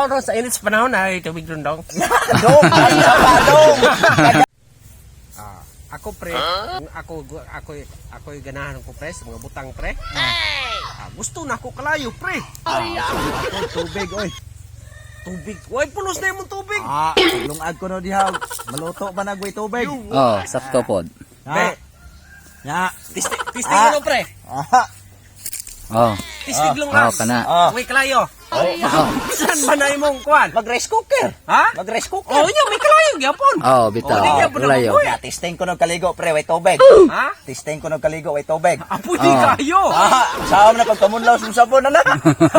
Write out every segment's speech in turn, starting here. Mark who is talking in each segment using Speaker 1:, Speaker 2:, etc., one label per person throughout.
Speaker 1: usaw ron sa init sa panahon ay tubig ron dong.
Speaker 2: Dong, sa padong.
Speaker 1: Ako pre, ako ganahan ko pre sa mga butang pre. Gusto na ako kalayo pre.
Speaker 2: Tubig, oy.
Speaker 1: Tubig. Way pulos na yung tubig.
Speaker 2: Lungag ko no diha. Maluto ba nagway tubig?
Speaker 3: Oh, sakto pod.
Speaker 2: Ha? Ya.
Speaker 1: Tistig mo pre.
Speaker 3: Oh.
Speaker 1: Tistig lang
Speaker 3: Oh, kana.
Speaker 1: Way kalayo.
Speaker 3: Oh.
Speaker 1: Saan ba na imong kuan?
Speaker 2: Mag-rice cooker.
Speaker 1: Ha?
Speaker 2: Mag-rice cooker.
Speaker 1: Oh, yun, may kalayo gyapon.
Speaker 3: Oh, bitaw. Layo.
Speaker 2: Ya, testing ko no kaligo pre way tubig.
Speaker 1: Ha?
Speaker 2: Testing ko no kaligo way tubig.
Speaker 1: Apoy di kayo.
Speaker 2: Saan na pagkamunlaw sa sabon na.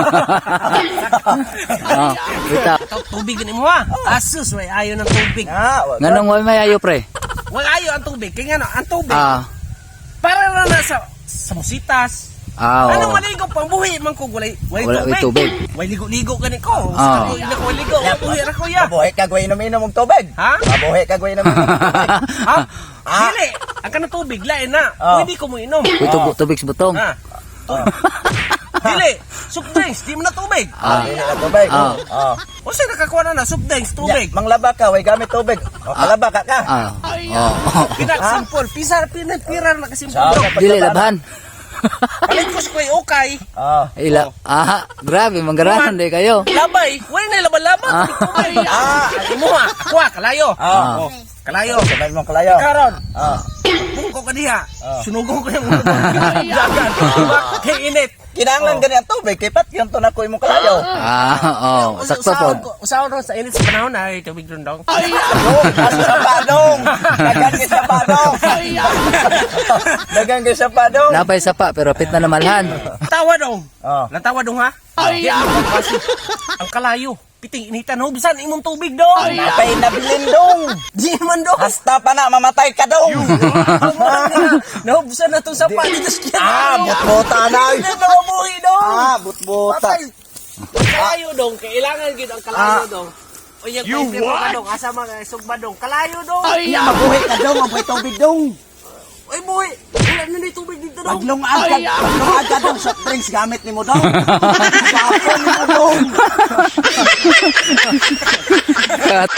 Speaker 3: Oh, bitaw.
Speaker 1: Tubig ni mo ha. Asus, way ayo ng tubig.
Speaker 3: Nganong way may ayo pre?
Speaker 1: Way ayo ang tubig. Kaya nga ang tubig. Para na sa musitas. Ano maligo pang buhi man ko walay tubig. Way ligo-ligo gani ko. Gusto ko ligo, buhi ra ko ya.
Speaker 2: Mabuhi ka gawin inom og tubig.
Speaker 1: Ha?
Speaker 2: Mabuhi ka gawin inom og tubig.
Speaker 1: Ha? Dili, ang kanang tubig lain na. Pwede ko mo inom.
Speaker 3: Tubig sa butong.
Speaker 1: Ha? Dili, soft drinks, di mo na tubig.
Speaker 2: Dili na tubig.
Speaker 1: O sa'yo nakakuha na soft drinks, tubig.
Speaker 2: Manglaba ka, way gamit tubig. Kalaba ka ka.
Speaker 1: Simple, pira na kasimpol.
Speaker 3: Dili laban.
Speaker 1: Paligkos ko yung okay.
Speaker 3: Grabe, manggarahan di kayo.
Speaker 1: Labay, way na laban-laban. Imo ha, ako kalayo. Kalayo.
Speaker 2: Sabay mo kalayo.
Speaker 1: Karon. Bungko ka diha. Sunugong ko yung jagan. Kay init.
Speaker 2: Kinahanglan gani ang tubig kay pat yung to na ko imong kalayo.
Speaker 3: Sakto pod.
Speaker 1: Usaw ron sa init sa panahon ay tubig ron dong.
Speaker 2: Sa padong. Dagan kay sa padong. Dagan kay sa padong.
Speaker 3: Napay sapa pero pit na namalhan.
Speaker 1: Tawa dong. Lantawa dong ha. Ang kalayo. Piting initan hubsan imong tubig dong.
Speaker 2: Napay nabilin dong.
Speaker 1: Di man dong.
Speaker 2: Hasta pa na mamatay ka dong.
Speaker 1: Nahubsan na to sa panitas kaya.
Speaker 2: Butbuta na.
Speaker 1: Hindi na mabuhi dong.
Speaker 2: Butbuta.
Speaker 1: Kalayo dong. Kailangan gid ang kalayo dong. O yung paper ka dong. Asa mga sugba dong. Kalayo dong.
Speaker 2: Mabuhi ka dong. Mabuhi tubig dong.
Speaker 1: Ay buhi. Wala na na tubig dito dong.
Speaker 2: Paglungag ka dong soft drinks gamit ni mo dong. Sapon ni mo dong.